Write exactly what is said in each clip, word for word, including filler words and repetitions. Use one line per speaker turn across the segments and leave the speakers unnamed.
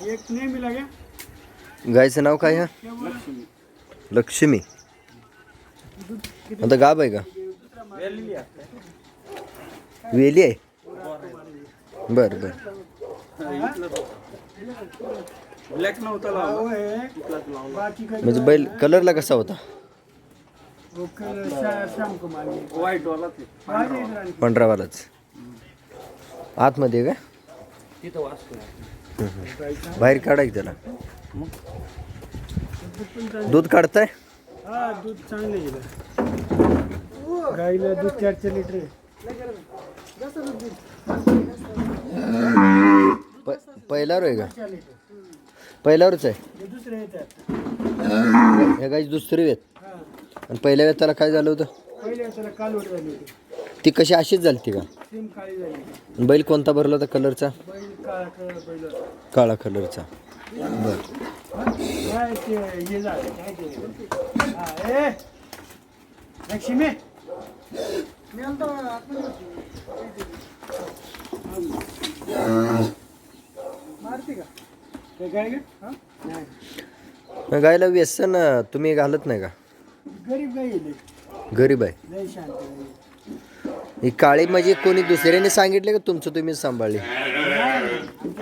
एक नेहमी लागे.
गायचं नाव काय ह्या? लक्ष्मी. आता गाब आहे का? वेली आहे. बर बर.
ब्लॅक नव्हता लावला. बाकी काही
म्हणजे बैल कलरला कसा होता?
व्हाईट वाला ते.
पंधरावालाच. आतमध्ये का?
तिथं वाचतो.
बाहेर काढाय त्याला. दूध काढताय?
हा दूध चांगलं गेलं. गाईला दूध चार चार लिटर आहे.
पहिल्यावर आहे का? पहिल्यावरच आहे.
दुसरे येतात.
ह्या गाईची दुसरी वेत. आणि पहिल्या वेताला काय झालं होतं?
पहिले त्याला कालवड झाली होती.
ती कशी अशीच झाली का?
सेम काळी झाली.
बैल कोणता भरला होता कलरचा?
बैल काळा काळा बैल.
काळा कलरचा. बर.
काय ते हे झालं काय ते? हा ए लक्ष्मी. मी आलतो मारती का? ते गाय का? हा? नाही.
गायला व्यसन तुम्ही घालत नाही का?
गरीब गाय आहे.
गरीब आहे.
लय शांत आहे.
ही काळी म्हणजे कोणी दुसऱ्याने सांगितले का तुमचं तुम्हीच सांभाळली?
अरे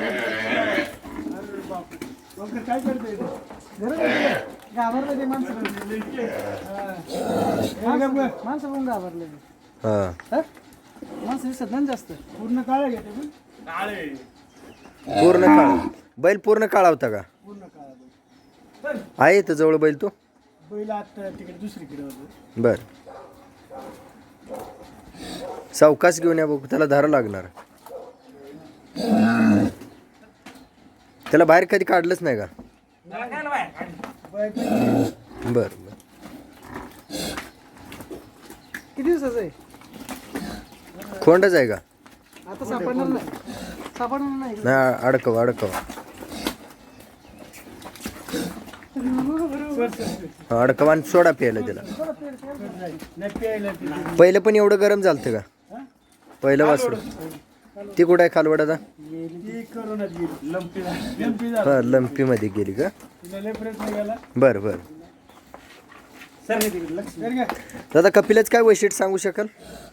बाप. मग काय करतोय ते? घाबरले ते माणसं. माणसं पण घाबरले.
हां.
माणसं दिसत नाही जास्त. पूर्ण काळा घेते पण. काळे.
पूर्ण काळा. बैल पूर्ण काळा होता का?
पूर्ण काळा बैल.
आहे इथं जवळ बैल तो?
बैल आता तिकडे दुसरीकडे होतो.
बर. सावकाश घेऊन या बघू, त्याला धारा लागणार. त्याला बाहेर कधी काढलंच नाही का? बर बर.
किती दिवसाचं आहे?
खोंडच आहे का?
आता सापडणार नाही. सापडणार नाही.
नाही अडकव अडकव. अडकव आणि सोडा प्यायला त्याला. पहिलं पण एवढं गरम झालतं का? पहिलं वासरू. ती कुठं आहे खालवडाचा? हा लंपी मध्ये गेली का? बर बर. दादा कपिलाच काय वैशिष्ट्य सांगू शकाल?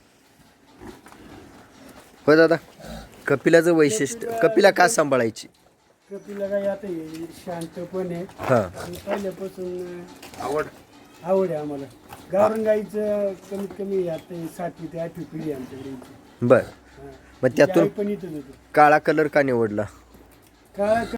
हो दादा, कपिलाचं वैशिष्ट्य, कपिला का सांभाळायची?
कपिला गाय आता शांतपणे
हा.
पहिल्यापासून आवड आवड आहे आम्हाला. गावरान गाईचं कमीत कमी आता सातवी ते आठवी पिढी आहे आमच्याकडे.
बर. मग त्यातून
पण इथंच होती.
काळा कलर का निवडला?
काळा